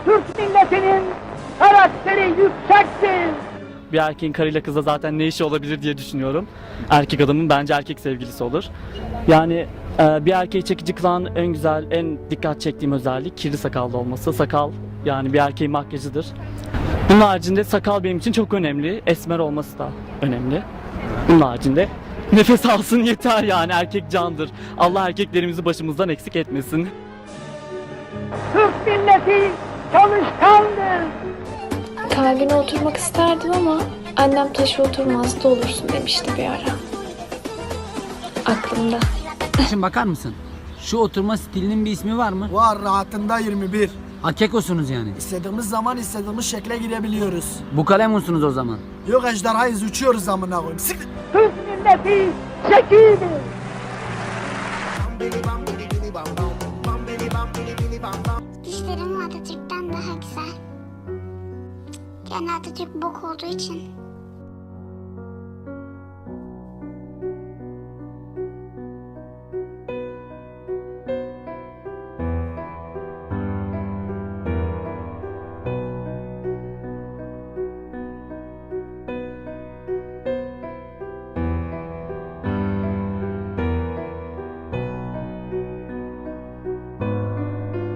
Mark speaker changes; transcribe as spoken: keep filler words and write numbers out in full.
Speaker 1: Türk milletinin karakteri yüksektir.
Speaker 2: Bir erkeğin karıyla kızla zaten ne işi olabilir diye düşünüyorum. Erkek adamın bence erkek sevgilisi olur. Yani e, bir erkeği çekici kılan en güzel, en dikkat çektiğim özellik kirli sakallı olması. Sakal yani bir erkeğin makyajıdır. Bunun haricinde sakal benim için çok önemli. Esmer olması da önemli. Bunun haricinde nefes alsın yeter yani, erkek candır. Allah erkeklerimizi başımızdan eksik etmesin.
Speaker 1: Türk milleti çalışkandır.
Speaker 3: Kalbine oturmak isterdim ama annem taşı oturmaz da olursun demişti bir ara. Aklımda.
Speaker 4: Şimdi bakar mısın? Şu oturma stilinin bir ismi var mı?
Speaker 5: Var, rahatında yirmi bir.
Speaker 4: Akekosunuz yani.
Speaker 5: İstediğimiz zaman istediğimiz şekle girebiliyoruz.
Speaker 4: Bu kalemunsunuz o zaman.
Speaker 5: Yok ejderhayız, uçuyoruz amına koyayım. Sık.
Speaker 1: Türk milleti zekidir.
Speaker 6: Dişlerim Atatürk'ten daha güzel. Yani Atatürk bok olduğu için